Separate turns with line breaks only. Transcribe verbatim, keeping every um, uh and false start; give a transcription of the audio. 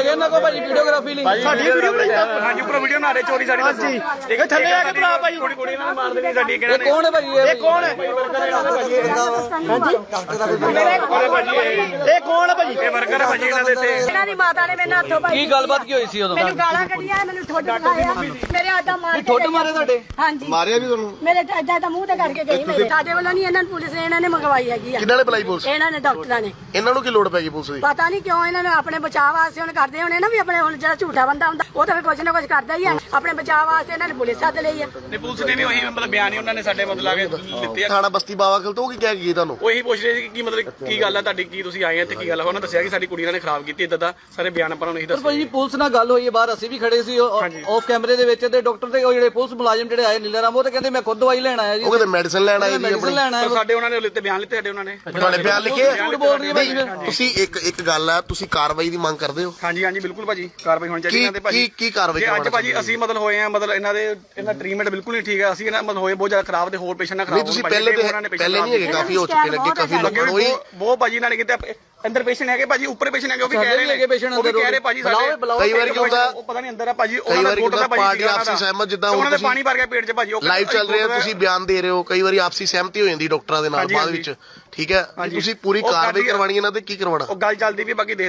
ਹੈਗੇ ਇਹਨਾਂ ਕੋਲ ਭਾਜੀ ਵੀਡੀਓਗ੍ਰਾਫੀ ਲਈ
ਸਾਡੀ ਵੀਡੀਓ ਹਾਂਜੀ ਉੱਪਰ ਵੀਡੀਓ ਬਣਾ ਰਹੇ ਚੋਰੀ ਸਾਡੀ ਹਾਂਜੀ ਇਹ ਥੱਲੇ ਆ ਕੇ ਭਰਾ ਭਾਈ ਕੁੜੀ ਕੁੜੀ ਨਾਲ ਮਾਰ ਦੇਣੀ ਸਾਡੀ ਕਿਹੜਾ ਨੇ
ਕੌਣ ਹੈ ਭਾਜੀ
ਇਹ ਕੌਣ ਹੈ ਹਾਂਜੀ ਇਹ ਕੌਣ ਹੈ ਭਾਜੀ ਇਹ ਵਰਕਰ ਹੈ ਭਾਜੀ ਇਹਨਾਂ ਦੇ ਇੱਥੇ
ਇਹਨਾਂ ਦੀ ਮਾਤਾ ਨੇ ਮੇਰੇ ਹੱਥੋਂ ਭਾਈ
ਕੀ ਗੱਲਬਾਤ ਕੀ ਹੋਈ ਸੀ ਉਦੋਂ
ਮੈਨੂੰ ਗਾਲਾਂ ਕੱਢੀਆਂ ਮੈਨੂੰ ਠੁੱਡ ਦਿਖਾਇਆ ਮੇਰੇ ਆਡਾ ਮਾਰ ਕੇ
ਠੁੱਡ ਮਾਰੇ ਤੁਹਾਡੇ
ਹਾਂਜੀ
ਮਾਰਿਆ ਵੀ ਤੁਹਾਨੂੰ
ਮੇਰੇ ਏਦਾਂ ਤਾਂ ਮੂੰਹ ਤੇ ਕਰਕੇ ਗਈ ਮੇਰੇ ਸਾਡੇ ਵੱਲੋਂ ਨਹੀਂ ਇਹਨਾਂ ਨੂੰ ਪੁਲਿਸ ਨੇ ਇਹਨਾਂ ਨੇ ਮੰਗਵਾਈ ਹੈਗੀ ਆ
ਕਿਹਨਾਂ ਨੇ ਬੁਲਾਈ ਪੁਲਿਸ
ਇਹਨਾਂ ਨੇ ਡਾਕਟਰਾਂ ਨੇ
ਇਹਨਾਂ ਨੂੰ ਕੀ ਲੋੜ ਪੈ ਗਈ ਪੁਲਿਸ ਦੀ
ਪਤਾ ਨਹੀਂ ਕਿਉਂ ਇਹਨਾਂ ਨੇ ਆਪਣੇ ਬਚਾਅ ਵਾਸਤੇ ਹੁਣ ਕਰਦੇ ਹੋਣੇ ਨਾ ਵੀ ਆਪਣੇ ਹੁਣ ਜਿਹੜਾ ਝੂਠਾ ਬੰਦਾ ਹੁੰਦਾ ਉਹ ਤਾਂ ਫਿਰ ਕੁਝ ਨਾ ਕੁਝ ਕਰਦਾ ਹੀ ਆ ਆਪਣੇ ਬਚਾਅ ਵਾਸਤੇ ਇਹਨਾਂ ਨੇ ਪੁਲਿਸ ਸੱਦ ਲਈ ਆ
ਨੇ ਪੁਲਿਸ ਨੇ ਵੀ ਉਹੀ ਮਤਲਬ ਬਿਆਨ ਹੀ ਉਹਨਾਂ ਨੇ ਸਾਡੇ ਮਤਲਬ ਆ ਕੇ ਦਿੱਤੇ ਆ
ਥਾਣਾ ਬਸਤੀ ਬਾਵਾ ਖਲ ਤੋਂ ਉਹ ਕੀ ਕਹਿ ਗਈ ਤੁਹਾਨੂੰ
ਉਹੀ ਪੁੱਛ ਰਹੇ ਸੀ ਕਿ ਕੀ ਮਤਲਬ ਕੀ ਗੱਲ ਆ ਤੁਹਾਡੀ ਕੀ ਤੁਸੀਂ ਆਏ ਆ ਤੇ ਕੀ ਗੱਲ ਆ ਉਹਨਾਂ ਦੱਸਿਆ ਕਿ ਸਾਡੀ ਕੁੜੀ ਨੇ ਖਰਾਬ ਕੀਤੀ ਇਦਾਂ ਦਾ ਸਾਰੇ ਬਿਆਨ ਆਪਾਂ ਨੂੰ ਨਹੀਂ
ਪਰ
ਦੱਸੇ
ਭਾਜੀ ਪੁਲਿਸ ਨਾਲ ਗੱਲ ਹੋਈ ਹੈ ਬਾਹਰ ਅਸੀਂ ਵੀ ਖੜੇ ਸੀ ਆਫ ਕੈਮਰੇ ਦੇ ਵਿੱਚ ਤੇ ਡਾਕਟਰ ਤੇ ਉਹ ਜਿਹੜੇ ਪੁਲਿਸ ਮੁਲਾਜ਼ਮ ਜਿਹੜੇ ਆਏ ਨੀਲਾ ਰਾਮ ਉਹ ਤੇ ਕਹਿੰਦੇ ਮੈਂ ਖੁਦ ਦਵਾਈ ਲੈਣ ਆਇਆ ਜੀ
ਉਹ ਕਹਿੰਦੇ ਮੈਡੀਸਨ ਲੈਣ ਆਏ ਜੀ
ਮੈਡੀਸਨ
ਆਪਣੀ
ਲੈਣ ਆਇਆ
ਸਾਡੇ ਉਹਨਾਂ ਨੇ ਲਿੱਤੇ ਬਿਆਨ ਲਿੱਤੇ ਸਾਡੇ ਉਹਨਾਂ ਨੇ
ਤੁਹਾਡੇ ਬਿਆਨ ਲਿਖੇ
ਝੂਠ ਬੋਲ ਰਹੀ ਹੈ ਭਾਜੀ ਫਿਰ
ਤੁਸੀਂ ਇੱਕ ਇੱਕ ਗੱਲ ਆ ਤੁਸੀਂ ਕਾਰਵਾਈ ਦੀ ਮੰਗ ਕਰਦੇ ਹੋ
ਹਾਂਜੀ ਹਾਂਜੀ ਬਿਲਕੁਲ ਭਾਜੀ ਕਾਰਵਾਈ ਹੋਣੀ ਚਾਹੀਦੀ
ਕੀ
ਇਹਨਾਂ ਤੇ ਭਾਜੀ
ਕੀ ਕੀ ਕਾਰਵਾਈ
ਜੇ ਅੱਜ
ਕਰਵਾਉਣਾ
ਭਾਜੀ ਅਸੀਂ ਮਤਲਬ ਹੋਏ ਆ ਮਤਲਬ ਇਹਨਾਂ ਦੇ ਇਹਨਾਂ ਟ੍ਰੀਟਮੈਂਟ ਬਿਲਕੁਲ ਨਹੀਂ ਠੀਕ ਹੈ ਅਸੀਂ ਇਹਨਾਂ ਮਤਲਬ ਹੋਏ ਬਹੁਤ ਜ਼ਿਆਦਾ ਖਰਾਬ ਤੇ ਹੋਰ ਪੇਸ਼ੈਂਟ ਨਾ ਖਰਾਬ
ਨਹੀਂ ਤੁਸੀਂ ਪਹਿਲੇ ਤੇ ਪਹਿਲੇ ਨਹੀਂ ਹੈਗੇ ਕਾਫੀ ਹੋ ਚੁੱਕੇ ਨੇ ਅੱਗੇ ਕਾਫੀ ਲੋਕਾਂ ਨੂੰ ਉਹੀ
ਬਹੁਤ ਭਾਜੀ ਨਾਲ ਕਿਤੇ ਅੰਦਰ ਪੇਸ਼ੈਂਟ ਹੈਗੇ ਭਾਜੀ ਉੱਪਰ ਪੇਸ਼ੈਂਟ ਹੈਗੇ ਉਹ ਵੀ ਕਹਿ ਰਹੇ ਨੇ ਉਹ ਵੀ ਕਹਿ ਰਹੇ ਭਾਜੀ ਸਾਡੇ
ਕਈ ਵਾਰ ਕੀ ਹੁੰਦਾ
ਉਹ ਪਤਾ ਨਹੀਂ ਅੰਦਰ ਆ ਭਾਜੀ
ਕਈ ਵਾਰ ਕੀ ਹੁੰਦਾ ਪਾਰਟੀ ਆਪਸੀ ਸਹਿਮਤ ਜਿੱਦਾਂ
ਉਹਨਾਂ
ਹੁਣ
ਦੇ
ਤੁਸੀਂ
ਪਾਣੀ ਭਰ ਗਿਆ ਪੇਟ 'ਚ ਭਾਜੀ ਉਹ
ਲਾਈਵ ਚੱਲ ਰਿਹਾ ਤੁਸੀਂ ਬਿਆਨ ਦੇ ਰਹੇ ਹੋ ਕਈ ਵਾਰੀ ਆਪਸੀ ਸਹਿਮਤੀ ਹੋ ਜਾਂਦੀ ਡਾਕਟਰਾਂ ਦੇ ਨਾਲ ਬਾਅਦ ਵਿੱਚ ਠੀਕ ਹੈ ਤੁਸੀਂ ਪੂਰੀ ਕਾਰਵਾਈ ਕਰਵਾਣੀ ਇਹਨਾਂ ਤੇ ਕੀ ਕਰਵਾਉਣਾ
ਉਹ ਗੱਲ ਚੱਲਦੀ ਵੀ ਬਾਕੀ